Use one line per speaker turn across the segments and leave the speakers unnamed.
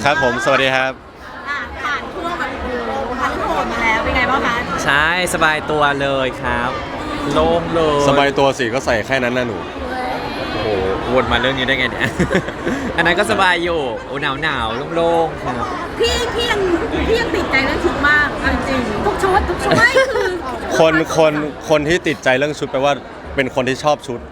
ครับผมสวัสดีครับ
ผ่านทั่วแบบพันโหดมาแล้วเป็นไงบ้างคะ
ใช่สบายตัวเลยครับโล่งเลย
สบายตัวสิก็ใส่แค่นั้นนะหนู
โอ้โหวนมาเรื่องนี้ได้ไงเนี่ย อันนั้นก็สบายอยู่โอ้หนาวโล่งๆครับ
พี่ยังติดใจเรื่องชุดมากจริงทุกชุดไม่คือ
คนที่ติดใจเรื่องชุดแปลว่าเป็นคนที่ชอบชุด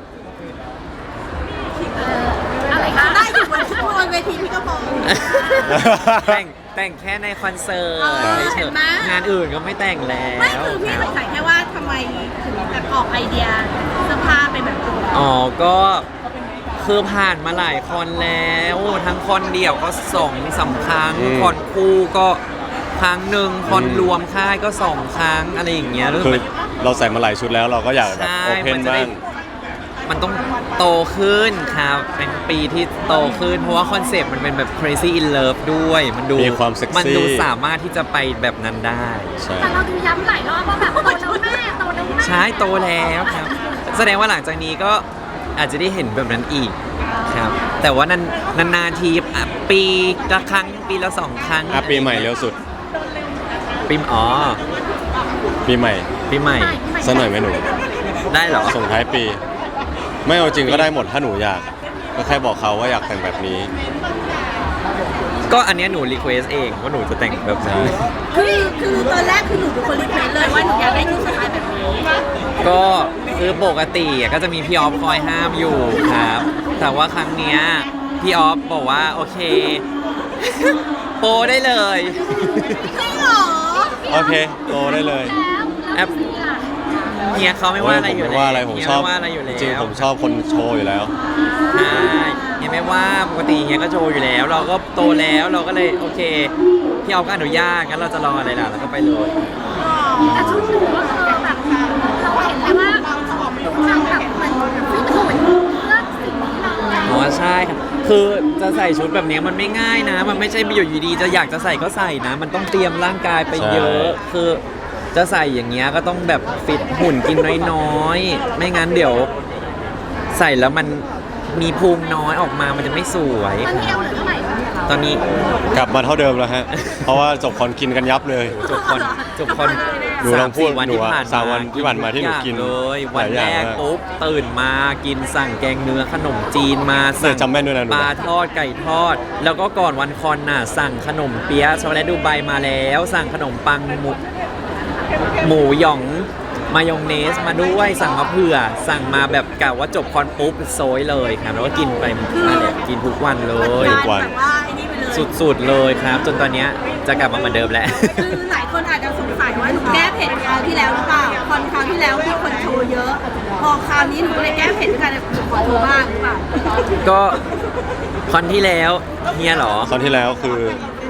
อะไรคะได้อยู่บนเวทีพี่ก็พอ
แต่งแค่ในคอนเสิร์ตเฉยๆงานอื่นก็ไม่แต่งแล้ว
ไม่คือพี่สงสัยแค่ว่าทำไมถึงแบบออกไอเดียเสื้อผ้าเป็นแบบนี้
อ๋อก็คือผ่านมาหลายคอนแล้วทั้งคอนเดี่ยวก็2-3 ครั้งคอนคู่ก็ครั้งหนึ่งคอนรวมค่ายก็2 ครั้งอะไรอย่างเงี้ย
คือเราใส่มาหลายชุดแล้วเราก็อยากแบบโอเพนบ้าง
มันต้องโตขึ้นครับเป็นปีที่โตขึ้นเพราะว่าคอนเซปต์มันเป็นแบบ crazy in love ด้วยมันดู
มีความเซ็กซี่
มันดูสามารถที่จะไปแบบนั้นได้
แต่เราดูย้ำหลายรอบว่าแบบโตแล้วแม่
ใช่โตแล้วครับแสดงว่าหลังจากนี้ก็อาจจะได้เห็นแบบนั้นอีกครับแต่ว่านานๆทีปีละครั้งปีละ2 ครั้ง
ปีใหม่เร็วสุด
ปี
ปีใหม่สักหน่อยไหมหนู
ได้เหรอ
ส่งท้ายปีไม่เอาจริงก็ได้หมดถ้าหนูอยากก็แค่บอกเขาว่าอยากแต่งแบบนี้
ก็อันนี้หนูรีเควสเองว่าหนูจะแต่งแบบนี้
คือตอนแรกคือหนูเป็นคนรีเควสเลยว่าหนูอยากได้ชุดสไตล์แบบนี้
ก็คือปกติก็จะมีพี่ออฟคอยห้ามอยู่ครับแต่ว่าครั้งเนี้ยพี่ออฟบอกว่าโอเคโปได้เลย
จริงเหรอ
โอเคโปได้เลย
แอปเฮียเขาไม่ว่าอะไรอยู่แล้ว
ผมชอบจริงผมชอบคนโชว์อยู่แล้ว
ใช่เฮียไม่ว่าปกติเฮียก็โชว์อยู่แล้วเราก็โตแล้วเราก็เลยโอเคพี่ออฟก็อนุญาตงั้นเราจะรออะไรล่ะเราก็ไปเลย
แต่ชุดหนูก็คือแบบเราเห็นเลยว่าทำแบบมันฟิตหุ่นเลือกสิ่งนี้เรา
อ๋อใช่ครับคือจะใส่ชุดแบบนี้มันไม่ง่ายนะมันไม่ใช่อยู่ดีๆจะอยากจะใส่ก็ใส่นะมันต้องเตรียมร่างกายไปเยอะคือจะใส่อย่างเงี้ยก็ต้องแบบฟิตหุ่นกินน้อยๆไม่งั้นเดี๋ยวใส่แล้วมันมีพุงน้อยออกมามันจะไม่สวยตอนนี้
กลับมาเท่าเดิมแล้วฮะเพราะว่าจบคอนกินกันยับเลย
จบคอน
ดูลองพูดวันที่ผ่านมาที่หนูกิน
เลยวันแรกปุ๊บตื่นมากินสั่งแกงเนื้อขนมจีนมาสั่ง
จำแม่นด้วยนะ
ปลาทอดไก่ทอดแล้วก็ก่อนวันคอนน่ะสั่งขนมเปี๊ยะช็อกโกแลตดูไบมาแล้วสั่งขนมปังหมูหยองมายองเนสมาด้วยสั่งมาเผื่อสั่งมาแบบกะว่าจบคอนปุ๊บโซยเลยครับแล้วก็กินไปนั่นแหละกินทุกวันเลยสุดๆเลยครับจนตอนนี้จะกลับมาเหมือนเดิมแล้ว
คือหลายคนอาจจะสงสัยว่าหนูแก้เผ็ดคราวที่แล้วหรือเปล่าคอนคราวที่แล้วมีคนโชว์เยอะพอคราวนี้หนูก็เลยแก้เผ็ดด้วยกันขอโทษบ้างหรือเปล่า
ก็คอนที่แล้วเฮียหรอ
คอนที่แล้วคือ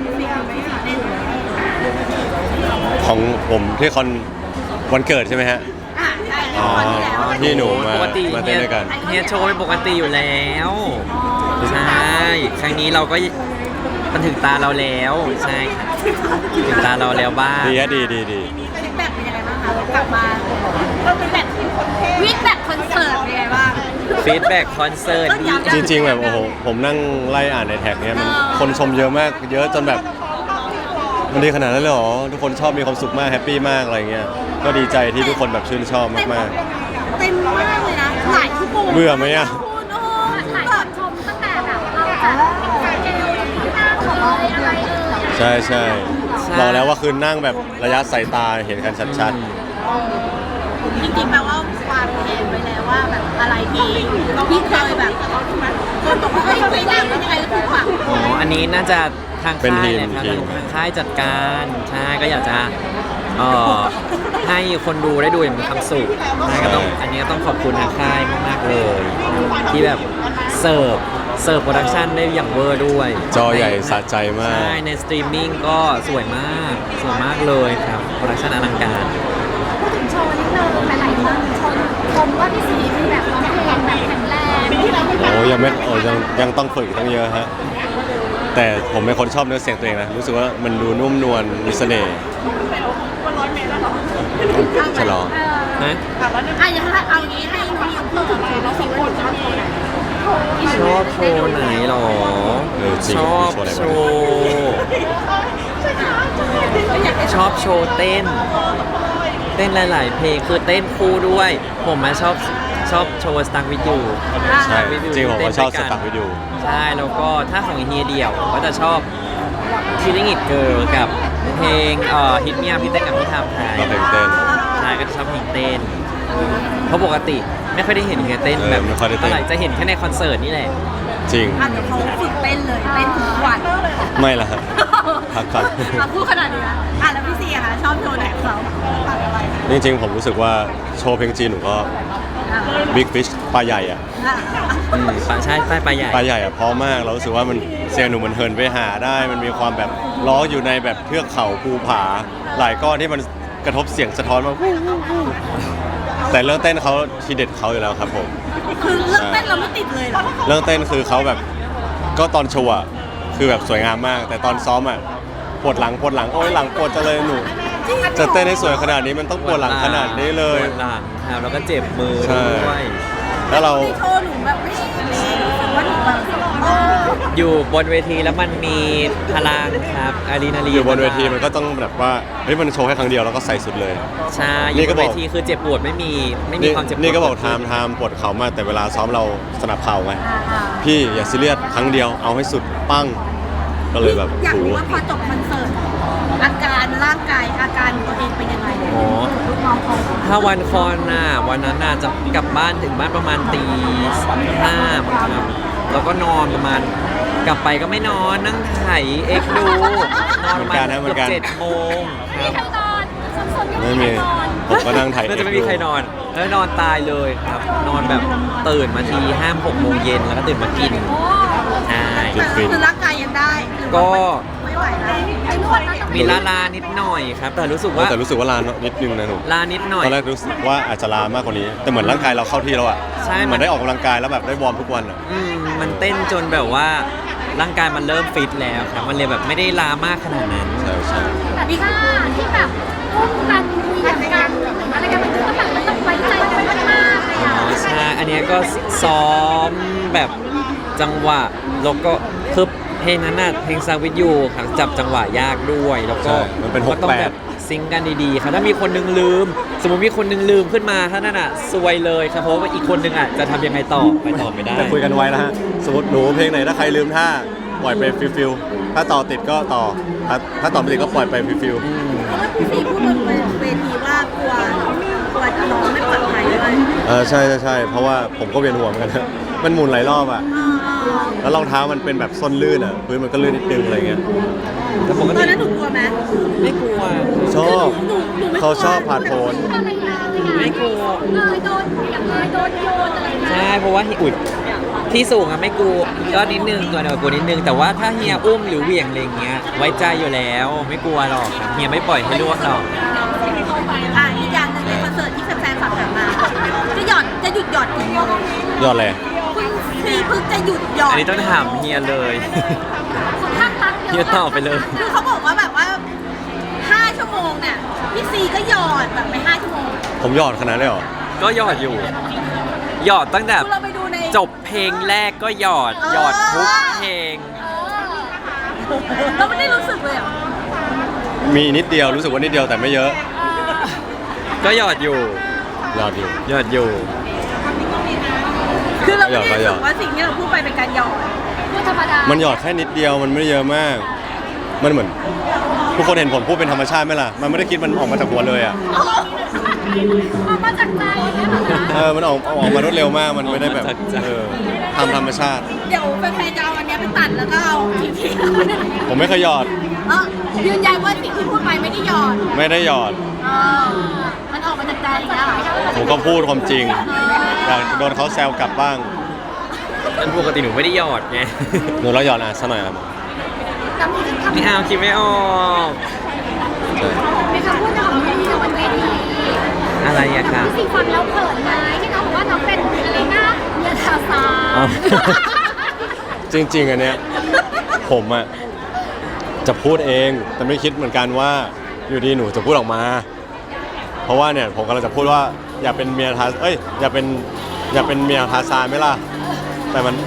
ของผมที่คอนวันเกิดใช่ไหมฮะอ๋อที่หนูมาเต้นด้วยกัน
เฮียโชว์เป็นปกติอยู่แล้วใช่ครั้งนี้เราก็มันถึงตาเราแล้วใช่ถึงตาเราแล้วบ้าง
ดีฮะดี
ฟีดแบ็กเป็นยังไงบ้างคะกลับมาฟีดแบ็กคอนเสิร์ตเป็นยังไงบ้าง
ฟีดแบ็กคอนเสิร์ต
จริงๆแบบโอ้โหผมนั่งไล่อ่านในแท็กเนี้ยมันคนชมเยอะมากเยอะจนแบบมันดีขนาดนั้นเลยเหรอทุกคนชอบมีความสุขมากแฮปปี้มากอะไรเงี้ยก็ดีใจที่ทุกคนแบบชื่นชอบมาก
ๆเต็มมากเลยนะหลายชั่วโมง
เบื่อไหมอ่ะ
หลายคนชมตั้งแต่แบบเราจะเจอที่หน้าของอะไร
ใช่บอกแล้วว่าคือนั่งแบบระยะสายตาเห็นกันชัด
ๆจริงๆแปลว่าวางแผนไว้แล้วว่าแบบอะไรที่เคยแบบคนบอกว่าไม่ได้ยังไงก็คือฝัง
อ๋ออันนี้น่าจะทางค่ายเลยครับทางค่ายจัดการใช่ก็อยากจะให้คนดูได้ดูอย่างมีความสุขก็ต้องอันนี้ต้องขอบคุณทางค่ายมากๆเลยที่แบบเสิร์ฟโปรดักชันได้อย่างเวอร์ด้วย
จอใหญ่สะใจมาก
ใช่ในสตรีมมิ่งก็สวยมากเลยครับโปรดักชันอลังการ
พูดถึงโชว์นิดนึงหลายๆคนชมว่าพี่สีคือแบบร้องเพลงแบบแข็งแรง
โอ้ยังต้องฝึกตั้งเยอะฮะแต่ผมเป็นคนชอบเนื้อเสียงตัวเองนะรู้สึกว่ามันดูนุ่มนวลมีเสน่ห์ฉลอง
นะ
เอางี้ให้หนูพูดถึงน้องสิงห์ว่าชอบโชว์ไหน
ชอบโชว์ไหนหรอชอบโชว์อบโชว์เต้นหลาย ๆ เพลงคือเต้นคู่ด้วย ผมมาชอบโชว์สตังวิดยู
ใช่จริงผมก็ชอบสตั๊กวิดีโอ
ใช่แล้วก็ถ้าของเฮียเดี่ยวผมก็จะชอบ Killing It Girl กับเพลงฮิตเมียพี่เต้นกับพี่ทำไทย
ก็เพลงเต้น
ใช่ก็จะชอบเพลงเต้นเพราะปกติไม่ค่อยได้เห็นเฮียเต้นแบบ
ไม่ค่อยได้เต้น
เท่าไหร่จะเห็นแค่ในคอนเสิร์ตนี่แหละ
จริง
อาจจะเขาฝึกเต้นเลยเต้นทุกวัน
ไม่ละครับพักก่อน
พูดขนาดนี้นะแล้วพี่ซีอะคะชอบโชว์ไหนของเขา
จริงๆผมรู้สึกว่าโชว์เพลงจีนหนูก็ Big Fish ปลาใหญ่อะ
ปลาใช่ปลาใหญ่
ปลาใหญ่อะเพราะมากเรารู้สึกว่ามันเสียงหนูมันเฮิร์นไปหาได้ มันมีความแบบล้ออยู่ในแบบเทือกเขาภูผา หลายก้อนที่มันกระทบเสียงสะท้อนมาแต่เรื่องเต้นเขาทีเด็ดเขาอยู่แล้วครับผม
คือเรื่องเต้นเราไม่ติดเลยเหรอ
เรื่องเต้นคือเขาแบบก็ตอนโชว์อะคือแบบสวยงามมาก แต่ตอนซ้อมอะปวดหลังโอ้ยหลังปวดจะเลยหนูจะเต้นให้สวยขนาดนี้มันต้องปวดหลังขนาดนี้เลย
ปวดหลังครับแล้วก็เจ็บมือ
ใช่
ด้วย
แล้วเรา
ที่โชว์หนูแบบไม่ใช่รู้สึกว่าหนูแบบ
อยู่บนเวทีแล้วมันมีพลังครับอะดรีนาลีน
อยู่บนเวทีมันก็ต้องแบบว่าเฮ้ยมันโชว์แค่ครั้งเดียวแล้วก็ใส่สุดเลย
ใช่อ
นี่
ยู่บ
ก็
น
บ
เว
อก
ทีคือเจ็บปวดไม่มีความเจ็บปวด
นี่ก็บอกไทม์ปวดเข่ามากแต่เวลาซ้อมเราสนับเข่าไงพี่อย่าซีเรียสครั้งเดียวเอาให้สุดปั้งก็เลยแบบ
อยาก
โห
รู้ว่าพอจบคอนเสิร์ตอาการร่างกายอาการตัวเองเป็นยังไง
อ๋อ
น้องเขา
ถ้าวันคอนน่ะวันนั้นน่ะจะกลับบ้านถึงบ้านประมาณตีห้าครับแล้วก็นอนประมาณกลับไปก็ไม่นอนนั่งไถเอ็กดูนอนประมาณเกือบ7 โมงครับ
ไม่มีผมก็นั่งถ่าย
น่าจะไม่มีใครนอนแล้วนอนตายเลยครับ นอนแบบตื่นมาที5-6 โมงเย็นแล้วก็ตื่นมากินใช่
แต่คือร่างกายยังได้หรือว่า
ก็
ไม่ไหวแล้ว
มีลานิดหน่อยครับ แต่รู้สึกว่า
แต่รู้สึกว่าลานิดนึงนะหนู
ลานิดหน่อย
ตอนแรกรู้สึกว่าอาจจะลามากกว่านี้ แต่เหมือนร่างกายเราเข้าที่แล้วอ่ะ
ใช่
เหมือนได้ออกกำลังกายแล้วแบบได้วอร์มทุกวันอ่ะ
มันเต้นจนแบบว่าร่างกายมันเริ่มฟิตแล้วครับ มันเลยแบบไม่ได้ลามากขนาดนั้น
ใช่ใช่
แต่ถ้าที่แบบอุ้มกันเหยียบกันอะไรกันมันคือต้องแบบมันต้องไว้ใจกันมากๆเลย
อ๋
อ่ะ
อใช่อันเนี้ยก็ซ้อมแบบจังหวะแล้วก็คือเพลงนั้นน่ะเพลงซาวิทยูครับจับจังหวะยากด้วยแล้วก็
ใช่มันเป็น
ก็ต้องแบบ
68
ซิงค์กันดีๆครับถ้ามีคนนึงลืม สมมติมีคนนึงลืมขึ้นมาถ้านั่นอ่ะซวยเลยครับเพราะว่าอีกคนนึงอ่ะจะทำยังไงต่อไปต่อไม่ได้
แต่คุยกันไว้แล้วฮะสมมติหนูเพลงไหนถ้าใครลืมท่าปล่อยไปฟิลถ้าต่อติดก็ต่อถ้าต่อไม่ติดก็ปล่อยไปฟิล
เพราะว่าพี่ซีพูดบนเวทีว่ากลัวน้องไม่ปลอดภัยด้วย
ใช่เพราะว่าผมก็เวียนหัวเหมือนกันนะมันหมุนหลายรอบอ่ะแล้วรองเท้ามันเป็นแบบส้นลื่นอ่ะพื้นมันก็ลื่นนิดนึงอะไรเงี้ย
แต่ปก
ตอ
ติ
นนั้นหนูกลัวไหม
ไม่กลัว
ชอบ
หนูไม่กลัว
เขาชอบผ่านโผน
อะไรนะ
ไม่กลัว
โดนอย่างโดนโยนอะไรนะ
ใช่เพราะว่าอุดที่สูงอะไม่กลัวก็นิดนึงตัวเดียวกลัวนิดนึงแต่ว่าถ้าเฮียอุ้มหรือเหวี่ยงอะไรอย่างเงี้ยไว้ใจอยู่แล้วไม่กลัวหรอกครับเฮียไม่ปล่อยให้ล่วงหรอก
อีกอย่างหนึงในคอนเสิร์ตที่แฟนๆฝากถามมาจะหยุดหยอดกี่โมง
ยอดเลย
คุณซีเพิ่งจะหยุดหยอด
อันนี้ต้องถามเฮียเลย
คนข้างรัก
เฮียตอบไปเลย
คือเขาบอกว่าแบบว่า5 ชั่วโมงเนี่ยพี่ซีก็หยอดแบบไป5 ชั่วโมง
ผมยอดขนาดนี้นเลยเหรอ
ก็หยอดอยู่ หยอดตั้งแต่
คือเราไปดูใน
จบเพลงแรกก็หยอดทุกเพลง
เราไม่ได้รู้สึกเลยเหรอ
มีนิดเดียวรู้สึกว่านิดเดียวแต่ไม่เยอะ
ก็หยอดอยู่
ยอดอยู่
หยอดอยู่
คือเราไม่ได้รู้สึกว่าสิ่งที่เราพูดไปเป็นการหยอด
พูดธรรมดา
มันหยอดแค่นิดเดียวมันไม่ได้เยอะมาก มันเหมือนทุกคนเห็นผมพูดเป็นธรรมชาติไหมล่ะมันไม่ได้คิดมันออกมาจากหัวเลยอ่ะ
มาจากใจเนี่ยเหรอคะ
มันออกมารวดเร็วมากมันไม่ได้แบบ
ออกมาจากใจ
ทำธรรมชาติ
เดี๋ยวแฟนๆจะเอาอันเนี้ยไปตัดแล้วก็เอาที
ผมไม่เคยหยอด
ยืนยันว่าสิ่งที่พูดไปไม่ได้หยอด
ไม่ได้หยอด
มันออกมาจากใจอย่างเงี้ยเหรอ
ผมก็พูดความจริงอยากโดนเขาแซวกลับบ้าง
อันปกติหนูไม่ได้หยอดไง
หนูเราหยอดสักหน่อยครับ
แต่มีคำ
ไม่เอาคิดไม่ออก
มีคำพูดของพี่ในวันเวที
อะไรอะคะ
พี่ฟังแล้วเขินไหมที่น้องบอกว่าน้องเป็นอะไรนะเมียทาซา
อ๋อ
จริงๆอันเนี้ยผมอะจะพูดเองแต่ไม่คิดเหมือนกันว่าอยู่ดีหนูจะพูดออกมา เพราะว่าเนี่ยผมกำลังจะพูดว่าอย่าเป็นเมียทาอย่าเป็นเมียทาซานไหมล่ะแต่มัน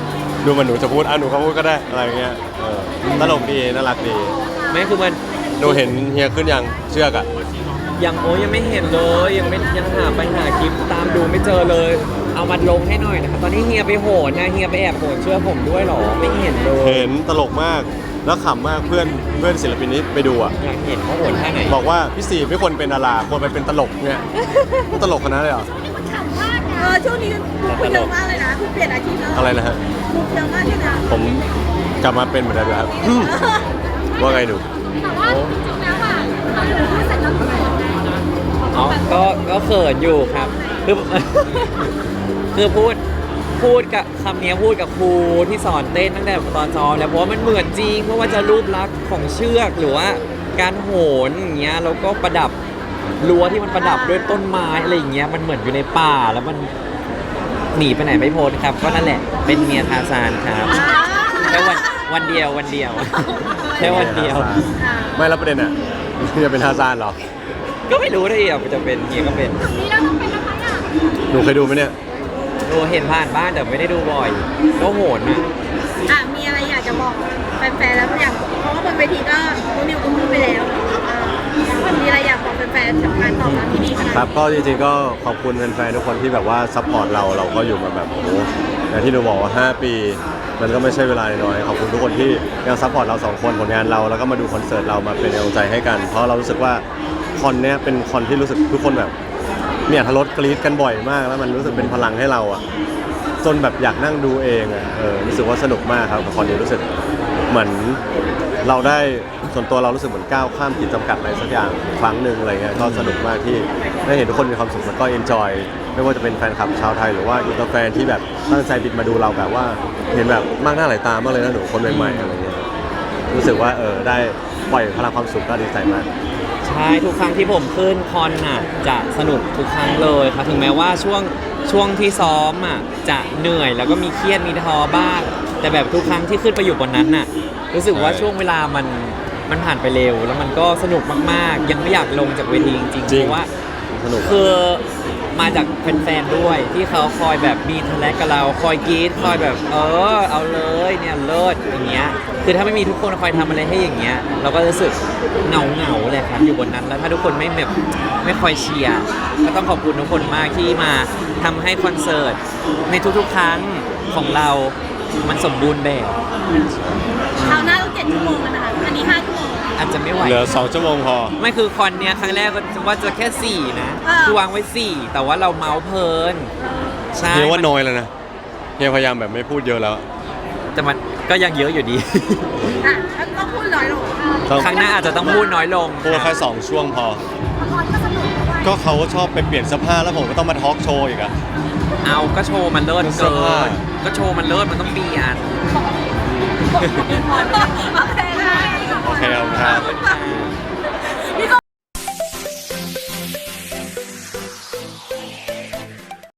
ดูเหมันหนูจะพูดหนูก็พูดก็ได้อะไรเงี้ยตลกดีน่ารักดี
ไม่คือมัน
ดูเห็นเฮียขึ้นยังเชือกอะ
ยังยังไม่เห็นเลยยังหาไปหาคลิปตามดูไม่เจอเลย เอามาลงให้หน่อยนะครับตอนนี้เฮียไปโหนนะเฮียไปแอบโหนเชื่อผมด้วยเหรอไม่เห็นเลย
เห็นตลกมากแล้วขำมากเพื่อนศิลปินนี้ไปดูอะ
อยากเห็นเขาโหนท่าไหน
บอกว่าพี่สีไม่ควรเป็นดาราควรไปเป็นตลกเนี่ยตลกขนาดเลยเหรอ
มันขำมากนะ
ช่วงนี้คุณเยอะมากเลยนะคุณเปลี่ยนอาชีพแล้ว
อะไรนะฮะ
คุณเยอะมากเลยนะ
ผมกลับมาเป็นเหมือนเดิมแล้วครับ ว่าไงหนู
แต่ว่าจริงๆแล้วอ่ะเราอยู่พูดเสร็จแล้วเขินไง
อ๋อก็เขินอยู่ครับคือ คือพูดกับคำนี้พูดกับครูที่สอนเต้นตั้งแต่ตอนซ้อมแล้วเพราะว่ามันเหมือนจริงเพราะว่าจะรูปลักษณ์ของเชือกหรือว่าการโหนอย่างเงี้ยแล้วก็ประดับรั้วที่มันประดับด้วยต้นไม้อะไรอย่างเงี้ยมันเหมือนอยู่ในป่าแล้วมันหนีไปไหนไม่พ้นครับก็นั่นแหละเป็นเมียทาซานครับแค่วันเดียวแค่วันเดียว
ไม่แล้วประเด็นอ่ะจะเป็นทาซานเหรอ
ก็ไม่รู้ได้อ่ะจะเป็นเมียก็เป็น
นี่เราต้องเป็นอะไรอ่ะ
หนูเคยดูไหมเนี่ย
ดูเห็นผ่านบ้านแต่ไม่ได้ดูบ่อยก็โหนนะ
มีอะไรอยากจะบอกแฟนๆแล้วอย่างเพราะว่าบนเวทีก็คุณนิวก็พูดไปแล้วมีอะไรอยากบอกแฟนๆกับการตอบรับที่ดีขนาด
ครับก็จริงๆก็ขอบคุณแฟนๆทุกคนที่แบบว่าซัพพอร์ตเราก็อยู่มาแบบโอ้โหอย่างที่หนูบอกว่า 5 ปี มันก็ไม่ใช่เวลาน้อยขอบคุณทุกคนที่ยังซัพพอร์ตเรา2 คนผลงานเราแล้วก็มาดูคอนเสิร์ตเรามาเป็นกำลังใจให้กัน เพราะเรารู้สึกว่าคอนเนี้ยเป็นคอนที่รู้สึกทุกคนแบบเนี่ยทะลดกรี๊ดกันบ่อยมากแล้วมันรู้สึกเป็นพลังให้เราอ่ะจนแบบอยากนั่งดูเองอ่ะรู้สึกว่าสนุกมากครับกับคอนนี้รู้สึกเหมือนเราได้ส่วนตัวเรารู้สึกเหมือนก้าวข้ามขีดจำกัดอะไรสักอย่างครั้งหนึ่งอะไรเงี้ยก็สนุกมากที่ได้เห็นทุกคนมีความสุขแล้วก็เอนจอยไม่ว่าจะเป็นแฟนคลับชาวไทยหรือว่าอินเตอร์แฟนที่แบบตั้งใจบินมาดูเราแบบว่าเห็นแบบมากหน้าหลายตามากเลยนะหนูคนใหม่ๆอะไรเงี้ยรู้สึกว่าได้ปล่อยพลังความสุขก็ดีใจมาก
ใช่ทุกครั้งที่ผมขึ้นคอนน่ะจะสนุกทุกครั้งเลยครับถึงแม้ว่าช่วงที่ซ้อมอ่ะจะเหนื่อยแล้วก็มีเครียดมีท้อบ้างแต่แบบทุกครั้งที่ขึ้นไปอยู่บนนั้นน่ะรู้สึกว่าช่วงเวลามันผ่านไปเร็วแล้วมันก็สนุกมากๆยังไม่อยากลงจากเวทีจริงๆเพราะว่า
สนุก
คือมาจากแฟนๆด้วยที่เขาคอยแบบมีทะเลกับเราคอยกรี๊ดคอยแบบเอาเลยเนี่ยเลิศอย่างเงี้ยคือถ้าไม่มีทุกคนคอยทำอะไรให้อย่างเงี้ยเราก็รู้สึกเหงาเลยครับอยู่บนนั้นแล้วถ้าทุกคนไม่คอยเชียร์ก็ต้องขอบคุณทุกคนมากที่มาทำให้คอนเสิร์ตในทุกๆครั้งของเรามันสมบูรณ์แบบ
คราวหน้าต้อง7 ชั่วโมงแล้วนะคะอันนี้5 ชั่วโมง
อาจจะไม่ไหว
เหลือ2 ชั่วโมงพอ
ไม่คือคอนเนี้ยครั้งแรกก็ว่าจะแค่ 4 นะ คือวางไว้ 4 แต่ว่าเราเมาส์เพลินใช่
เฮียว่าน้อยแล้วนะเฮียพยายามแบบไม่พูดเยอะแล้ว
แต่มันก็ยังเยอะอยู่ดี
แล้วก็พูดน้อยลง
ครั้งหน้าอาจจะต้องพูดน้อยลง
พูดแค่2 ช่วงพอ
ละครก็สนุกด้วย
ก็เขาชอบไปเปลี่ยนเสื้อผ้าแล้วผมก็ต้องมาทอล์กโชว์อีกอะ
เอาก็โชว์มันเลิศ
เสื้
เกิ
อผ้า
นก็โชว์มันเลิศมันต้องเปลี่ยน
โอเคค่ะ
โอเคครับ
ขอบคุณค่ะ